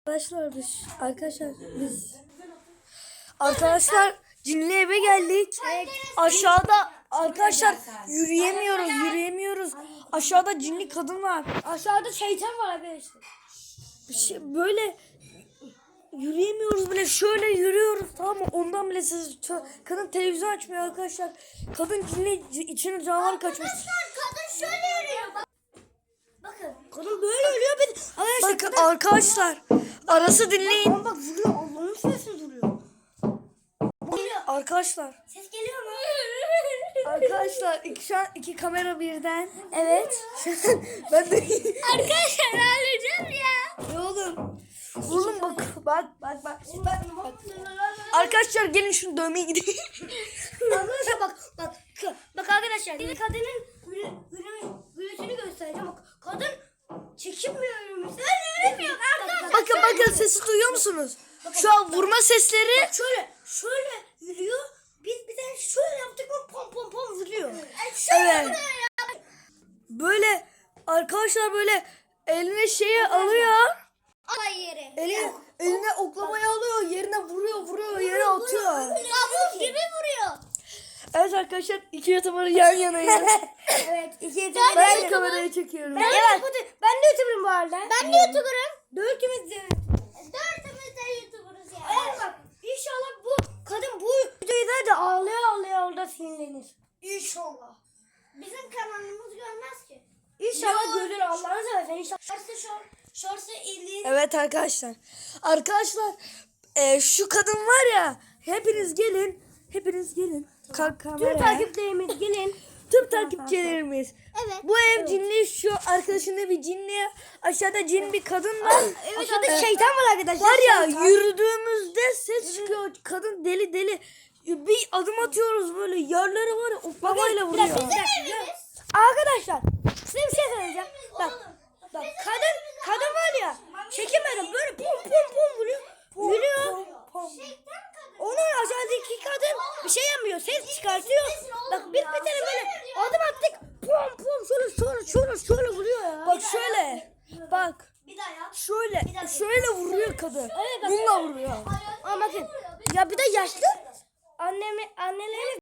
Arkadaşlar cinli eve geldik. Evet. Aşağıda arkadaşlar yürüyemiyoruz. Aşağıda cinli kadın var. Aşağıda şeytan var arkadaşlar. Böyle yürüyemiyoruz bile, şöyle yürüyoruz, tamam mı? Ondan bile kadın televizyon açmıyor arkadaşlar. Kadın cinli içine canavar kaçmış. Kadın şöyle yürüyor. Bakın. Kadın böyle yürüyor. Bakın arkadaşlar, arası dinleyin. Bak vuruyor. Allah'ın sesi duruyor. Arkadaşlar. Ses geliyor mu? Arkadaşlar şu an iki kamera birden. Evet. Ben de Arkadaşlar ağlayacağım ya. ne oğlum? Oğlum bak. Arkadaşlar gelin şunu dövmeye gidelim. Arkadaşlar bak arkadaşlar. Bir kadının gülüşünü göstereceğim. Bak kadın çekinmiyor yürümüş. Yürümüyor arkadaşlar. Bakın sesi duyuyor musunuz? Şu an vurma sesleri. Şöyle yürüyor. Biz bir tane şöyle yaptık mı pom pom vuruyor. Evet. Böyle arkadaşlar böyle eline şeyi alıyor. Alay yeri. Eline oklamayı alıyor, yerine vuruyor, yere atıyor. Kabus gibi vuruyor. Evet arkadaşlar, iki YouTuber yan yanayız. Evet. İki Ben kamerayı çekiyorum. Ben de YouTuber'ım bu arada. Ben de YouTuber'ım. Dörtümüz de YouTuber'ız ya. Evet bak inşallah bu kadın bu videoyu da ağlaya orada sinirlenir. İnşallah. Bizim kanalımız görmez ki. İnşallah görür Allah'ını seversen. İnşallah. Şorsa ilgili. Evet arkadaşlar. Arkadaşlar şu kadın var ya, hepiniz gelin. Tüm Kameraya. takipçilerimiz gelin. Tüm takipçilerimiz. Evet. Bu ev cinli, şu arkadaşında bir cinli, aşağıda cin bir kadın var. Evet adı şeytan var arkadaşlar. Var ya, şeytan. yürüdüğümüzde ses çıkıyor. Kadın deli. Bir adım atıyoruz böyle, yerlere var ya, oklamayla vuruyor. Arkadaşlar size bir şey söyleyeceğim. Bak kadın var ya çekemedim böyle pum vuruyor. Yürüyor. Onun aşağıdaki kadın bir şey yapmıyor. Ses çıkartıyor. Bak bir tane böyle adım attık. Pum şöyle vuruyor ya. Bak şöyle. Bak. Bir daha yap. Şöyle vuruyor kadın. Evet, bak. Bununla vuruyor. Ama bakın ya bir de yaşlı anneleri